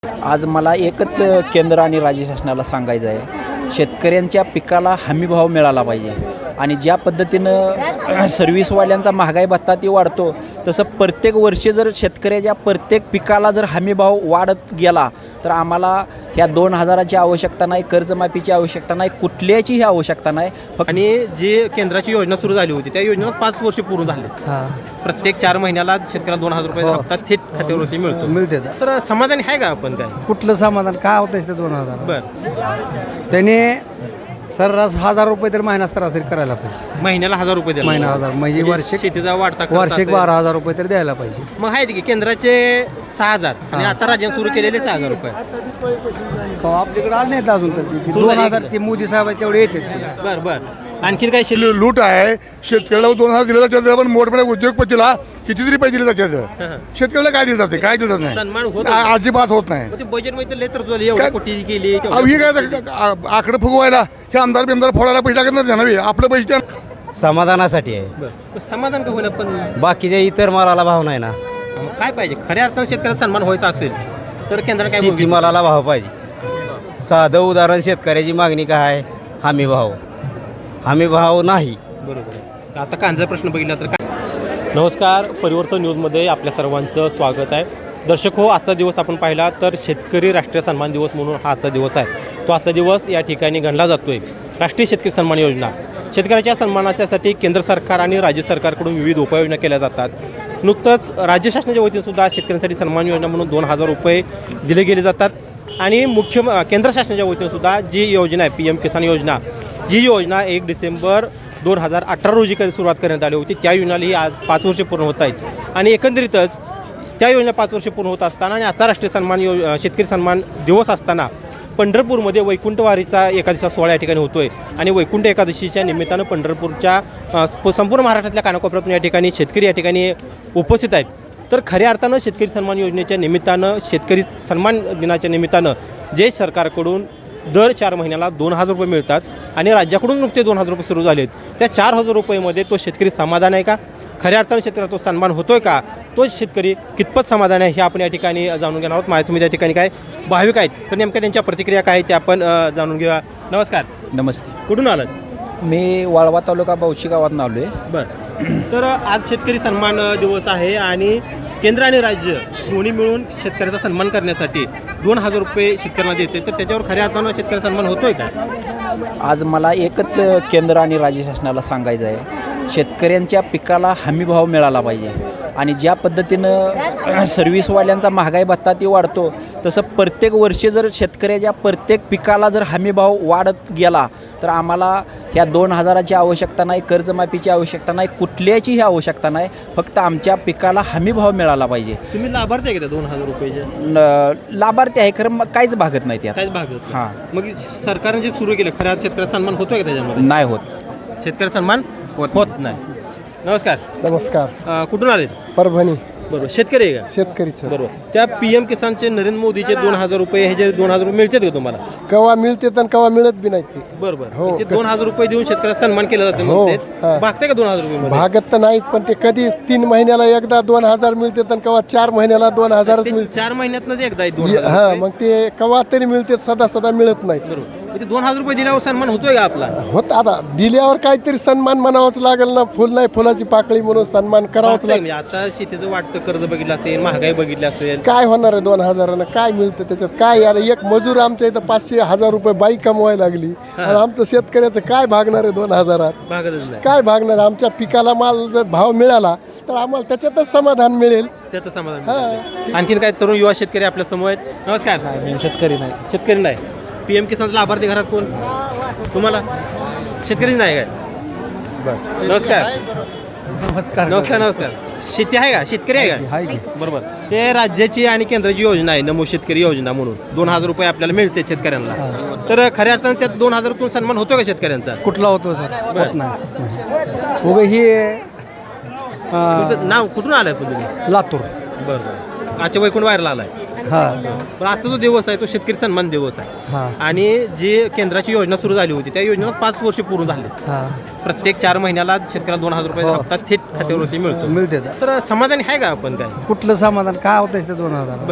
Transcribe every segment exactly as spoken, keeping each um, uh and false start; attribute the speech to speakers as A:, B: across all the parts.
A: आज मला एकच केंद्र आणि राज्य शासनाला सांगायचं आहे, शेतकऱ्यांच्या पिकाला हमीभाव मिळाला पाहिजे. आणि ज्या पद्धतीनं सर्व्हिसवाल्यांचा महागाई भत्ता ती वाढतो, तसं प्रत्येक वर्षी जर शेतकऱ्याच्या प्रत्येक पिकाला जर हमीभाव वाढत गेला तर आम्हाला ह्या दोन हजाराची आवश्यकता नाही, कर्जमाफीची आवश्यकता नाही, कुठल्याचीही आवश्यकता नाही. फक्त
B: आणि जी केंद्राची योजना सुरू झाली होती त्या योजनेत पाच वर्ष पूर्ण झाले. प्रत्येक चार महिन्याला शेतकऱ्याला दोन हजार रुपये हप्ता थेट खात्यावरती मिळतो
C: मिळते.
B: तर समाधानी आहे का आपण काय?
C: कुठलं समाधान काय होतं ते दोन हजार
B: बर
C: त्याने सर्रास हजार रुपये तर महिना सरासरी करायला पाहिजे.
B: महिन्याला हजार रुपये द्यायला
C: महिना हजार म्हणजे वार्षिक
B: शेतीचा वाढता खर्च
C: वार्षिक
B: असेल.
C: बारा हजार रुपये तर द्यायला पाहिजे.
B: मग आहेत की केंद्राचे सहा हजार आणि आता राज्याने सुरू केलेले सहा हजार रुपये.
C: का आपल्याकडे आले नाहीत अजून तर ते
B: सुरू
C: दोन
B: झाली
C: हजार
B: का?
C: ते मोदी साहेब तेवढे येते.
B: बर बर आणखीन काय शेती
D: लू- लूट आहे. शेतकऱ्याला दोन हजार दिले जाते, पण मोठमोठ्या उद्योगपतीला किती तरी पैसे दिले जाते. शेतकऱ्याला काय दिले जाते? काय दिलं नाही.
B: सन्मान होत
D: आ- अजिबात होत नाही.
B: बजेट मध्ये लय तर एवढी
D: काय-
B: कोटी केली
D: अहो, ही काय आ- आकडे फुगवायला हे आमदार बिमदार फोडायला पैसे लागत नाही नव्हे. आपलं पैसे त्या-
E: समाधानासाठी आहे.
B: बरं समाधान का होईना पण
E: बाकीच्या इतर मालाला भाव नाही ना.
B: मग काय पाहिजे खऱ्या अर्थानं शेतकऱ्याला सन्मान व्हायचा असेल तर केंद्राने काय
E: शेती
B: भूमिका?
E: मालाला भाव पाहिजे. साधं उदाहरण शेतकऱ्याची मागणी काय आहे? हमी भाव. हमी भाव नाही.
B: बरोबर आहे. आता कांद्याचा प्रश्न बघितला तर काय? नमस्कार, परिवर्तन न्यूजमध्ये आपल्या सर्वांचं स्वागत आहे. दर्शक हो, आजचा दिवस आपण पाहिला तर शेतकरी राष्ट्रीय सन्मान दिवस म्हणून हा आजचा दिवस आहे. तो आजचा दिवस या ठिकाणी गणला जातोय. राष्ट्रीय शेतकरी सन्मान योजना, शेतकऱ्याच्या सन्मानाच्यासाठी केंद्र सरकार आणि राज्य सरकारकडून विविध उपाययोजना केल्या जातात. नुकतंच राज्य शासनाच्या वतीनंसुद्धा शेतकऱ्यांसाठी सन्मान योजना म्हणून दोन हजार रुपये दिले गेले जातात. आणि मुख्य केंद्र शासनाच्या वतीनंसुद्धा जी योजना आहे पी एम किसान योजना, जी योजना एक डिसेंबर दोन हजार अठरा रोजी कधी सुरुवात करण्यात आली होती, त्या योजनालाही आज पाच वर्षे पूर्ण होत आहेत. आणि एकंदरीतच त्या योजना पाच वर्षे पूर्ण होत असताना आणि आजचा राष्ट्रीय सन्मान यो शेतकरी सन्मान दिवस असताना पंढरपूरमध्ये वैकुंठवारीचा एकादशीचा सोहळा या ठिकाणी होतो आहे. आणि वैकुंठ एकादशीच्या निमित्तानं पंढरपूरच्या अ, संपूर्ण महाराष्ट्रातल्या कानाकोपऱ्यातून या ठिकाणी शेतकरी या ठिकाणी उपस्थित आहेत. तर खऱ्या अर्थानं शेतकरी सन्मान योजनेच्या निमित्तानं, शेतकरी सन्मान दिनाच्या निमित्तानं जे सरकारकडून दर चार महिन्याला दोन हजार रुपये मिळतात आणि राज्याकडून नुकते दोन हजार रुपये सुरू झाले आहेत, त्या चार हजार रुपयेमध्ये तो शेतकरी समाधान आहे का? खऱ्या अर्थानं शेतकऱ्याला तो सन्मान होतोय का? तो शेतकरी कितपत समाधान आहे हे आपण या ठिकाणी जाणून घेणार आहोत. माझ्यासमोर या ठिकाणी काय भाविक आहेत, तर नेमक्या त्यांच्या प्रतिक्रिया काय आहेत ते आपण अ, जाणून घेऊया. नमस्कार,
A: नमस्ते.
B: कुठून आलात?
A: मी वाळवा तालुका बावशी गावात आलो आहे.
B: बरं, तर आज शेतकरी सन्मान दिवस आहे आणि केंद्र आणि राज्य दोन्ही मिळून शेतकऱ्याचा सन्मान करण्यासाठी दोन हजार रुपये शेतकऱ्यांना देते, तर त्याच्यावर खऱ्या अर्थानं शेतकऱ्याचा सन्मान होतोय का?
A: आज मला एकच केंद्र आणि राज्य शासनाला सांगायचं आहे, शेतकऱ्यांच्या पिकाला हमीभाव मिळाला पाहिजे. आणि ज्या पद्धतीनं सर्व्हिसवाल्यांचा महागाई भत्ता ती वाढतो, तसं प्रत्येक वर्षी जर शेतकऱ्याच्या प्रत्येक पिकाला जर हमीभाव वाढत गेला तर आम्हाला ह्या दोन हजाराची आवश्यकता नाही, कर्जमाफीची आवश्यकता नाही, कुठल्याचीही आवश्यकता नाही. फक्त आमच्या पिकाला हमीभाव मिळाला पाहिजे.
B: तुम्ही लाभार्थी आहे का त्या दोन हजार रुपयेचे?
A: न- लाभार्थी आहे, खरं मग काहीच भागत नाही त्यात.
B: काहीच भाग होत
A: हां,
B: नाही. मग सरकारने जे सुरू केलं खऱ्या शेतकऱ्याचा सन्मान होतोय का त्याच्यामध्ये?
A: नाही होत.
B: शेतकरी सन्मान होत नाही. नमस्कार,
C: नमस्कार.
B: अ, कुठून आले?
C: परभणी
B: बरोबर, शेतकरी आहे का?
C: शेतकरीचं
B: बरोबर. त्या पी एम किसानचे नरेंद्र मोदीचे दोन हजार रुपये हे जे दोन हजार रुपये मिळतात का तुम्हाला?
C: कवा मिळते तर कवा मिळत बी नाही. ते
B: बरोबर,
C: हो.
B: ते दोन हजार रुपये देऊन शेतकऱ्याचा सन्मान केला जातो.
C: हो,
B: मग
C: हां.
B: भागते का दोन हजार रुपये मध्ये?
C: भागत तर नाहीच, पण ते कधी तीन महिन्याला एकदा दोन हजार मिळते तर कवा चार महिन्याला दोन हजारच
B: ते
C: मिळते.
B: चार महिन्यातनंच एकदा आहे दोन हजार
C: हा,
B: रुपये.
C: मग ते कवा तरी मिळते, सदा सदा मिळत नाही.
B: बरोबर, म्हणजे दोन हजार रुपये दिल्यावर सन्मान होतोय का आपला?
C: होत आता दिल्यावर काहीतरी सन्मान म्हणावंच लागेल ना. फुल नाही फुलाची पाकळी म्हणून सन्मान करावंच
B: भागतंय
C: लागेल.
B: म्हणजे आता शेतीचं वाटतं कर्ज बघितलं असेल, महागाई बघितली असेल.
C: काय होणार आहे दोन हजारानं? काय मिळतं त्याच्यात? काय यार, एक मजूर आमच्या इथं पाचशे हजार रुपये बाई कमवायला लागली आणि आमचं शेतकऱ्याचं काय भागणार आहे दोन हजारात?
B: भागतच नाही.
C: काय भागणार? आमच्या पिकाला माल जर भाव मिळाला तर आम्हाला त्याच्यातच समाधान मिळेल.
B: त्याचं समाधान मिळतं. आणखीन काय तरुण युवा शेतकरी आपल्या समोर आहेत? नमस्कार.
A: शेतकरी नाही.
B: शेतकरी नाही. पी एम किसानचा लाभार्थी घरात कोण? तुम्हाला शेतकरीच नाही काय? बरं, नमस्कार.
C: नमस्कार.
B: नमस्कार नमस्कार. शेती आहे का? शेतकरी आहे का? बरोबर. ते राज्याची आणि केंद्राची योजना आहे नमो शेतकरी योजना म्हणून दोन हजार रुपये आपल्याला मिळते शेतकऱ्यांना. तर खऱ्या अर्थानं त्यात दोन हजारातून सन्मान होतो का शेतकऱ्यांचा?
C: कुठला होतो सर?
B: बरं.
C: नाही. उगा ही
B: तुमचं नाव कुठून आलंय पण तुम्ही?
C: लातूर.
B: बरं बरं. आजच्या वैकुंठ व्हायरला आलाय. पण आजचा जो दिवस आहे तो शेतकरी सन्मान दिवस आहे
C: हा.
B: आणि जी केंद्राची योजना सुरू झाली होती त्या योजनेला पाच वर्ष पूर्ण झाले. प्रत्येक चार महिन्याला शेतकऱ्याला दोन हजार रुपये हप्ता थेट खात्यावरती मिळतो.
C: मिळते
B: तर समाधानी आहे का आपण काय?
C: कुठलं समाधान काय होतं ते दोन हजार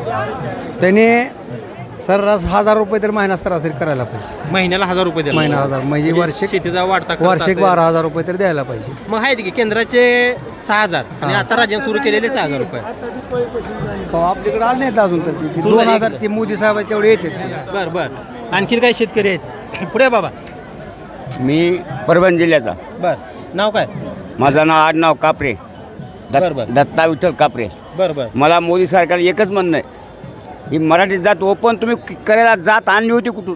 B: बर
C: त्याने सर्रास हजार रुपये तर महिना सरासरी करायला पाहिजे.
B: महिन्याला हजार रुपये द्यायला
C: महिना
B: पाहिजे.
C: हजार म्हणजे वार्षिक
B: शेतीचा वाढता खर्च
C: वार्षिक
B: असेल.
C: बारा हजार रुपये तर द्यायला पाहिजे.
B: मग आहेत की केंद्राचे सहा हजार आणि आता राज्याने सुरू केलेले सहा हजार रुपये.
C: का आपल्याकडे आले नाहीत अजून तर ती
B: सुरू
C: दोन
B: झाली
C: हजार
B: इकडे.
C: ते मोदी साहेब तेवढे येते.
B: बर बर आणखीन काही शेतकरी आहेत पुढे बाबा?
E: मी परभणी जिल्ह्याचा.
B: बर नाव काय?
E: माझं नाव आडनाव कापरे.
B: बरं, बरं.
E: दत्ता विठ्ठल कापरे.
B: बर बर
E: मला मोदी सरकारला एकच म्हणणं आहे, ही मराठी जात ओपन तुम्ही क- करायला जात आणली होती कुठून?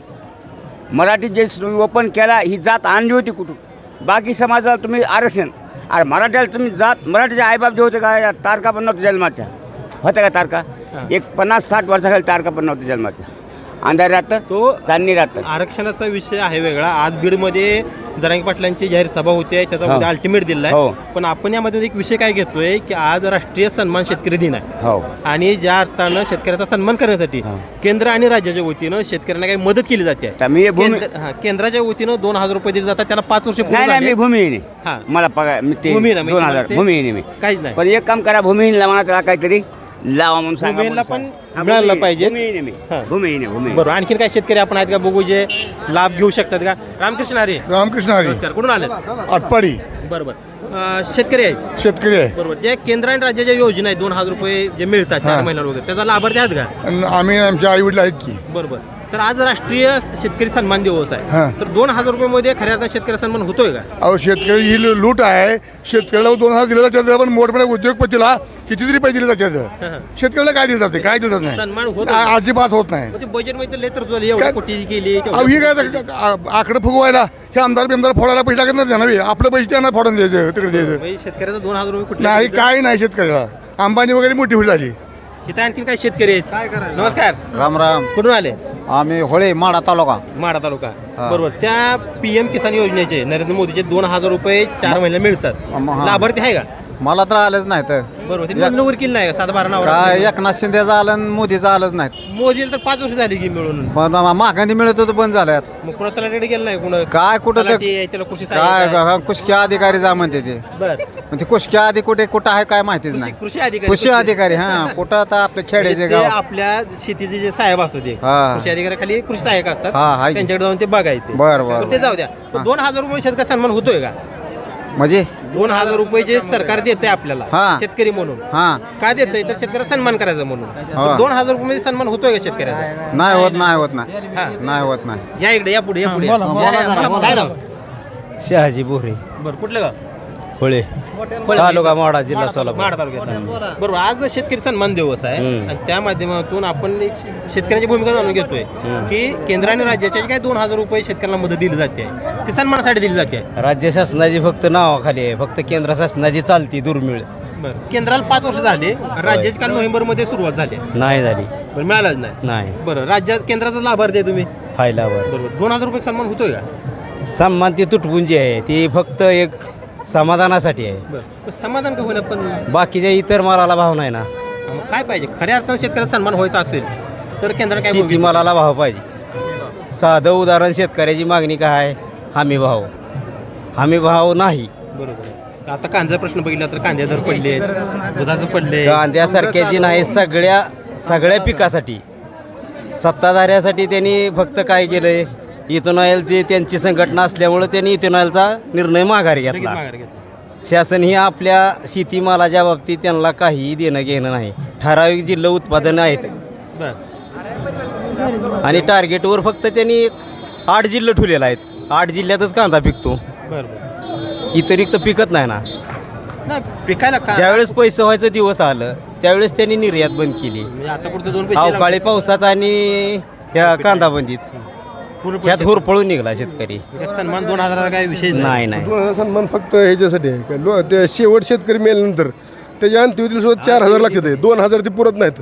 E: मराठी जे तुम्ही ओपन केला ही जात आणली होती कुठून? बाकी समाजाला तुम्ही आरक्षण, अरे मराठ्याला तुम्ही जात मराठीचे आईबाप जे होते का या तारका पण नव्हत्या जन्माच्या, होत्या का तारका? एक पन्नास साठ वर्षाखाली तारका पण नव्हत्या जन्माच्या. अंधार राहतं
B: तो
E: चांदणी राहतं.
B: आरक्षणाचा विषय आहे वेगळा. आज बीडमध्ये जरांगे पाटलांची जाहीर सभा होती आहे त्याचा
E: हो.
B: उद्या अल्टिमेट दिला
E: हो.
B: आहे. पण आपण यामध्ये एक विषय काय घेतोय की आज राष्ट्रीय सन्मान शेतकरी दिन आहे
E: हो
B: आणि ज्या अर्थानं शेतकऱ्याचा सन्मान करण्यासाठी
E: हो.
B: केंद्र आणि राज्याच्या वतीनं शेतकऱ्यांना काही मदत केली जाते.
E: तर मी भूमी
B: केंद्र- हा, केंद्राच्या वतीनं दोन हजार रुपये दिले जातात. त्याला पाच वर्ष पूर्ण
E: नाही नाही
B: झाले.
E: मी भूमिहीन
B: हा.
E: आहे. मला पगार मी ते
B: भूमिहीन आहे,
E: दोन
B: म्हणजे
E: हजार
B: ते-
E: भूमिहीन आहे मी.
B: काहीच नाही.
E: पण एक काम करा, भूमिहीनला म्हणा त्याला काहीतरी लावा म्हणून सांगा.
B: भूमिहीनला
E: म्हणून
B: पण
E: सांगा. हा,
B: मिळालं
E: भूमिहीन-
B: पाहिजे.
E: भूमिहीन आहे मी.
B: हा.
E: भूमिहीन आहे भूमिहीन.
B: बरोबर आणखीन काही शेतकरी आपण आहेत का बघू जे लाभ घेऊ शकतात का? रामकृष्ण हरी
D: रामकृष्ण हरी
B: नमस्कार कुठून आले?
D: आटपाडी
B: बरोबर अं, शेतकरी आहे
D: शेतकरी आहे.
B: बरोबर जे केंद्र आणि राज्याच्या योजना आहेत दोन हजार रुपये जे मिळतात चार
D: हा.
B: महिन्याला वगैरे त्याचा लाभार्थी आहेत का?
D: आणि आम्ही आमच्या आई वडील आहेत की.
B: बरोबर तर आज राष्ट्रीय शेतकरी सन्मान दिवस
D: हा.
B: आहे तर दोन हजार रुपये मध्ये खऱ्या अर्थाने शेतकरी सन्मान होतोय का?
D: अहो शेतकरी ही लू- लूट आहे. शेतकऱ्याला दोन हजार दिले जातात पण मोठमोठ्या उद्योगपतीला कितीतरी पैसे दिले जातात.
B: हा.
D: शेतकऱ्याला काय दिलं जाते? काय दिलं जात
B: सन्मान
D: नाही.
B: होत
D: आ- अजिबात होत नाही.
B: म्हणजे बजेट मध्ये लय तर झाली एवढी
D: काय-
B: कोटी केली
D: अहो ही काय आता आ- आकडे फुगवायला हे आमदार बिमदार फोडायला पैसे लागत नाही त्यांना बी. आपलं पैसे त्यांना फोडून द्यायचं तिकडे द्यायचं.
B: म्हणजे शेतकऱ्याचा दोन हजार रुपये कुठे
D: नाही काय नाही शेतकऱ्याला. अंबानी वगैरे मोठी होईल झाली.
B: इथे आणखीन काही शेतकरी आहेत काय करा नमस्कार
F: राम राम.
B: कुठून आले?
F: आम्ही होळे माडा तालुका.
B: माढा तालुका बरोबर त्या पीएम किसान योजनेचे नरेंद्र मोदीचे दोन हजार रुपये चार महिन्याला मिळतात.
F: अम, हा.
B: लाभार्थी आहे का?
F: मला तर आलंच नाही तर
B: बरोबर ते नोंदणी वकील नाही का सात बारा नाव
F: काय एकनाथ शिंदेचं आलं आणि मोदीचं आलंच नाही.
B: मोदीला तर पाच वर्ष झाली की मिळून
F: पण मागांनी मिळत होतं बंद झाल्यात.
B: मग कुणा तलाठी गेलं नाही कुणा
F: काय कुठं ते
B: तलाठी आहे, त्याला कृषी
F: काय
B: सहाय्यक आहे.
F: ग- कुशक्या अधिकारी जा म्हणते ते.
B: बर
F: पण ते कुशक्या आधी कुठे कुठं आहे काय माहितीच
B: कृषी
F: नाही.
B: कृषी अधिकारी
F: कृषी अधिकारी हा कुठं आता आपले खेड्याचे
B: म्हणजे ते
F: गाव.
B: आपल्या शेतीचे जे साहेब असतो ते
F: हा.
B: कृषी अधिकारी खाली कृषी सहाय्यक असतात
F: हा, आहे की.
B: त्यांच्याकडे जाऊन ते बघायचे
F: बरं, बरं,
B: तर ते जाऊ द्या पण दोन हजार रुपये शेतकरी सन्मान होतोय का?
F: म्हणजे
B: दोन हजार रुपये जे सरकार देते आपल्याला
F: हा.
B: शेतकरी म्हणून
F: हा
B: काय देतंय तर शेतकऱ्याचा सन्मान करायचा म्हणून
F: हा.
B: तर दोन हजार रुपये मध्ये सन्मान होतोय का शेतकऱ्याचा?
F: नाही होत नाही होत नाही
B: हा.
F: नाही होत नाही.
B: या इकडे या पुढे या पुढे
F: बोला, बोला जरा, बोला.
B: काय नाव?
E: शहाजी बोरे
B: बरं कुठलं गाव?
E: होळे
B: होळे.
E: तालुका माडा जिल्हा सोलापूर.
B: माढा तालुक्यात बरोबर आज शेतकरी सन्मान दिवस आहे
E: हम्म.
B: आणि त्या माध्यमातून आपण एक शेतकऱ्यांची भूमिका जाणून घेतोय की केंद्र आणि राज्याच्या जे काही दोन हजार रुपये शेतकऱ्यांना मदत दिली जाते ती सन्मानासाठी दिली जाते.
E: राज्य शासनाची फक्त नावाखाली आहे, फक्त केंद्र शासनाची चालती दुर्मिळ
B: बरं केंद्राला पाच वर्ष झाले राज्याची काल नोव्हेंबर मध्ये सुरुवात झाली
E: नाही झाली.
B: बरं मिळालाच नाही.
E: नाही
B: बरं राज्यात केंद्राचा लाभार्थी आहे तुम्ही
E: फायलावर
B: बरोबर दोन हजार रुपये सन्मान होतोय का?
E: सन्मान ती तुटपुंजी जी आहे ती फक्त एक समाधानासाठी आहे.
B: बरं समाधान का होईना पण
E: बाकीच्या इतर मालाला भाव नाही ना.
B: मग काय पाहिजे खऱ्या अर्थानं शेतकऱ्याचा सन्मान व्हायचा असेल तर केंद्राने काय भूमिका-
E: शेतीमालाला भाव पाहिजे. साधं उदाहरण शेतकऱ्याची मागणी काय आहे? हमी भाव. हमी भाव नाही.
B: बरोबर आहे. आता कांद्याचा प्रश्न बघितला तर कांदे दर पडले दुधाचं पडले
E: कांद्यासारख्याची नाही, सगळ्या सगळ्या पिकासाठी सत्ताधाऱ्यासाठी त्यांनी फक्त काय केलंय, इथेनॉलची त्यांची संघटना असल्यामुळं त्यांनी इथेनॉलचा निर्णय माघारी
B: लगेच
E: घेतला.
B: माघार घेतला.
E: शासन ही आपल्या शेतीमालाच्या बाबतीत त्यांना काहीही देणं घेणं नाही. ठराविक जिल्हा उत्पादनं आहेत
B: बरं
E: आणि टार्गेटवर फक्त त्यांनी एक आठ जिल्हे ठेवलेले आहेत. आठ जिल्ह्यातच कांदा पिकतो,
B: बरं बरं
E: इतरिक्त पिकत नाही ना.
B: नाही पिकायला का
E: ज्यावेळेस पैसे व्हायचं दिवस आलं त्यावेळेस त्यांनी निर्यात बंद केली.
B: म्हणजे आता पुढे दोन पैसे
E: अवकाळी पावसात आणि ह्या कांदाबंदीत
B: पूर्ण
E: ह्यात
B: पैसे-
E: हुरपळून निघाला शेतकरी.
B: म्हणजे सन्मान दोन हजाराचा काही विषय
E: नाही नाही
C: दोन हजार सन्मान फक्त ह्याच्यासाठी आहे का लो ते शेवट शेतकरी मेल्यानंतर त्याच्या अंत्यविधीला सुद्धा चार हजार लागतात. दोन हजार ते पुरत नाहीत.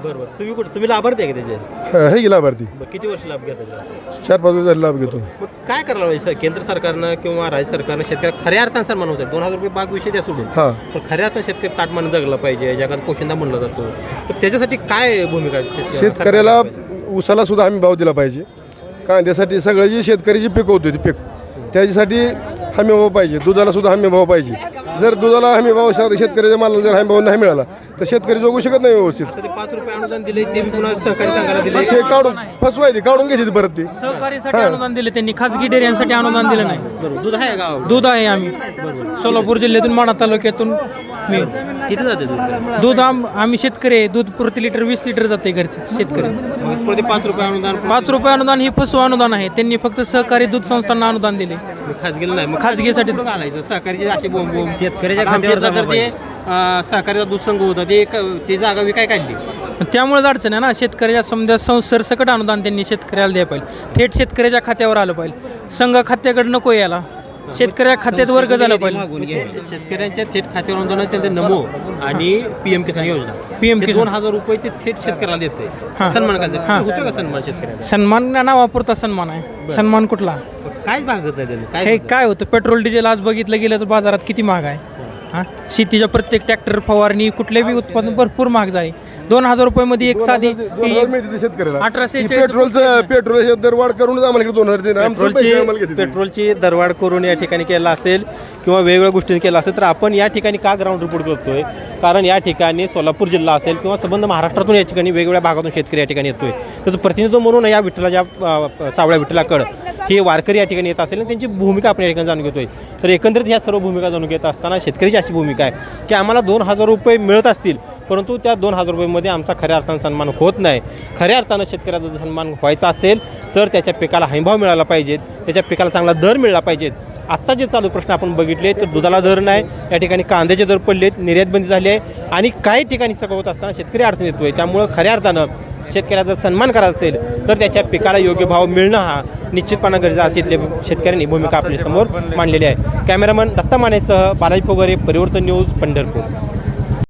B: बरोबर. तुम्ही कुठे तुम्ही लाभार्थी आहे का त्याचे?
C: हे गेला लाभार्थी
B: बरं, किती वर्ष लाभ घेता त्याचा?
C: चार पाच वर्ष लाभ घेतो.
B: मग काय करायला पाहिजे सर? केंद्र सरकारनं किंवा राज्य सरकारनं शेतकऱ्याला खऱ्या अर्थानं सन्मान होतात. दोन हजार रुपये बाग विषय द्या सोडून,
C: हां
B: पण खऱ्या अर्थानं शेतकरी ताटमान जगला पाहिजे, जगात पोशिंदा म्हणला जातो. तर त्याच्यासाठी काय भूमिका आहे शेतकऱ्याला?
C: शेतकऱ्याला ऊसाला सुद्धा आम्ही भाव दिला पाहिजे. कांद्यासाठी सगळं जी शेतकरी जी पिकवतो ती पीक त्याच्यासाठी हमी भाव पाहिजे. दुधाला सुद्धा हमी भाव पाहिजे. जर दुधाला हमी भाव शेतकऱ्याच्या मालाला जर हमी भाव नाही मिळाला तर शेतकरी जगू शकत नाही व्यवस्थित.
B: आता ते पाच रुपये अनुदान दिले ते बी पुन्हा सहकारी संघाला दिले.
C: ते काढून फसवायची काढून घ्यायची परत ती.
G: सहकारीसाठी अनुदान दिले त्यांनी, खाजगी डेअऱ्यांसाठी अनुदान दिलं नाही.
B: बरोबर. दूध आहे गाव
G: दूध आहे आम्ही सोलापूर जिल्ह्यातून माढा तालुक्यातून मी
B: किती जाते दूध?
G: दूध आम आम्ही शेतकरी आहे. दूध प्रति लिटर वीस लिटर जाते घरचं शेतकरी.
B: मग प्रति पाच रुपये अनुदान
G: पाच रुपये अनुदान ही फसव अनुदान आहे. त्यांनी फक्त सहकारी दूध संस्थांना अनुदान दिले.
B: खाजगीला नाही. मग
G: खाजगीसाठी
B: कुठं घालायचं? सहकारीची अशी बोंब बोंब
G: शेतकऱ्याच्या
B: आता आमच्या इथं तर ते अं, सहकारीचा दूध संघ होता ते एक- ती जागा विकाय काढली.
G: त्यामुळे अडचण आहे ना. शेतकऱ्याच्या समजा संसरसकट अनुदान त्यांनी शेतकऱ्याला द्यायला पाहिजे. थेट शेतकऱ्याच्या खात्यावर आलं पाहिजे. संघ खात्याकडे नको याला, शेतकऱ्या खात्यात वर्ग झाला पाहिजे.
B: शेतकऱ्यांच्या थेट खात्यावर अनुदान त्यांचे नमो आणि पीएम किसान योजना
G: पीएम
B: ते
G: किसान.
B: दोन हजार रुपये ते थेट शेतकऱ्याला देते.
G: हां.
B: सन्मान करायचं
G: हां.
B: होतो का सन्मान शेतकऱ्याला?
G: सन्मान नावापुरता सन्मान आहे. सन्मान कुठला?
B: काहीच भागत नाही त्यांनी.
G: हे
B: काय
G: काय होतं, पेट्रोल डिझेल आज बघितलं गेलं तर बाजारात किती महाग आहे. हां, शेतीच्या प्रत्येक ट्रॅक्टर फवारणी कुठल्याही उत्पादन भरपूर महाग झाले. दोन हजार रुपयामध्ये एक साधी
C: दोन हजार मिळते ते शेतकऱ्याला.
G: अठराशे
C: ती
G: चाळीस
C: पेट्रोलचं पेट्रोल दरवाढ करूनच आम्हाला इकडे दोन हजार देणार. आमचे पैसे आम्हाला
B: पेट्रोलची
C: घेतील.
B: पेट्रोलची दरवाढ करून या ठिकाणी केला असेल किंवा वेगवेगळ्या गोष्टींनी केला असेल तर आपण या ठिकाणी का ग्राउंड रिपोर्ट करतोय? कारण या ठिकाणी सोलापूर जिल्हा असेल किंवा संबंध महाराष्ट्रातून या ठिकाणी वेगवेगळ्या भागातून शेतकरी या ठिकाणी येतोय. त्याचं प्रतिनिधित्व म्हणून या विठ्ठलाच्या अ, सावळ्या विठ्ठलाकडं हे वारकरी या ठिकाणी येत असेल आणि त्यांची भूमिका आपण या ठिकाणी जाणून घेतोय. तर एकंदरीत ह्या सर्व भूमिका जाणून घेत असताना शेतकऱ्याची अशी भूमिका आहे की आम्हाला दोन हजार रुपये मिळत असतील परंतु त्या दोन हजार रुपयेमध्ये आमचा खऱ्या अर्थानं सन्मान होत नाही. खऱ्या अर्थानं शेतकऱ्याचा जर सन्मान व्हायचा असेल तर त्याच्या पिकाला हमीभाव मिळाला पाहिजेत, त्याच्या पिकाला चांगला दर मिळाला पाहिजेत. आत्ता जे चालू प्रश्न आपण बघितले तर दुधाला दर नाही, या ठिकाणी कांद्याचे दर पडलेत, निर्यात बंदी झाली आहे आणि काही ठिकाणी सगळं होत असताना शेतकरी अडचण येतोय. त्यामुळं खऱ्या अर्थानं शेतकऱ्याचा सन्मान करायचा असेल तर त्याच्या पिकाला योग्य भाव मिळणं हा निश्चितपणे गरजेचा असेल. शेतकऱ्यांनी भूमिका आपल्यासमोर मांडलेली आहे. कॅमेरामन दत्ता मानेसह बालाजी फोगरे, परिवर्तन न्यूज, पंढरपूर.